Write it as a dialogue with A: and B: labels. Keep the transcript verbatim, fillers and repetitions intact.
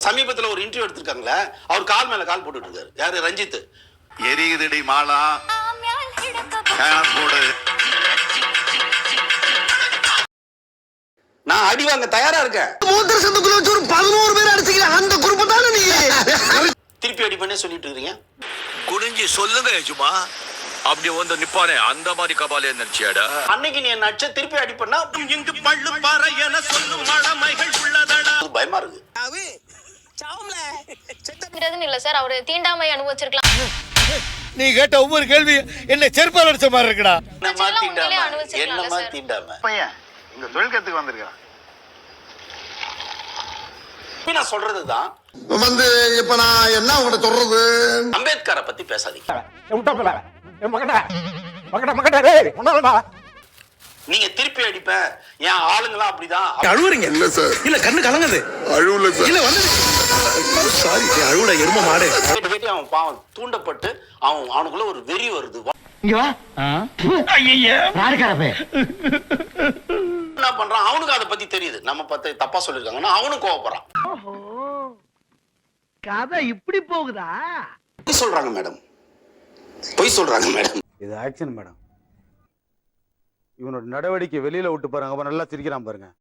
A: சமீபத்துல ஒரு இன்டர்வியூ எடுத்திருக்காங்களே, அவர் கால் மேல கால் போட்டுட்டு இருக்காரு. யாரு? ரஞ்சித்.
B: எரியுதடி மாலா போடு.
A: நான் அடி வாங்க தயாரா இருக்கேன்.
C: மூத்திர சந்துக்குள்ள வச்சு ஒரு பதினோரு பேர் அடிச்சுக்கிறேன். அந்த குரூப் தானே நீ.
A: திருப்பி அடி பண்ணே சொல்லிட்டு இருக்கீங்க.
D: குனிஞ்சி சொல்லுங்க எஜுமா. அப்படி வந்து நிப்பானே அந்த மாதிரி கபாலே நினைச்சியாடா.
A: அன்னைக்கு நீ என்ன அடிச்ச திருப்பி அடி பண்ணா
D: இங்கு பள்ளு பாறை என சொல்லும் மடமைகள் உள்ளதடா.
A: பயமா இருக்கு.
E: இல்ல சார், அவரு தீண்டாமை அனுபவிச்சிருக்கலாம்.
C: நீ கேட்ட ஒவ்வொரு கேள்வி என்ன செருப்பால் அடிச்ச மாதிரி இருக்குடா.
A: என்னமா தீண்டாம? என்னமா தீண்டாம?
B: பையன் இங்க தொழில் கத்துக்கு வந்திருக்கான்.
A: நான் சொல்றதுதான்
C: வந்து இப்ப நான் என்ன உங்கள்ட்ட சொல்றது?
A: அம்பேத்கரை பத்தி பேசாதீங்க. நீங்க திருப்பி அடிப்ப என் ஆளுங்களாம் அப்படிதான்
C: அழுவுறீங்க. இல்ல சார், இல்ல கண்ணு கலங்குது. அழுவல சார். இல்ல வந்து சாரி அழுவுடா எரும மாடு.
A: கேட்டு கேட்டு அவன் பாவம் தூண்டப்பட்டு அவன் அவனுக்குள்ள ஒரு வெறி வருது.
F: இங்க வா. ஐயய்ய யாருக்காரப்பே
A: என்ன பண்றான்? அவனுக்கு அதை பத்தி தெரியுது. நம்ம பத்தி தப்பா சொல்லிருக்காங்கன்னா அவனும் கோவப்படுறான்.
F: கதை இப்படி போகுதா?
A: பொய் சொல்றாங்க மேடம், பொய் சொல்றாங்க மேடம்.
G: இது ஆக்ஷன் மேடம். இவனோட நடவடிக்கை வெளியில விட்டு பாருங்க, அவன் நல்லா சிரிக்கிறான் பாருங்க.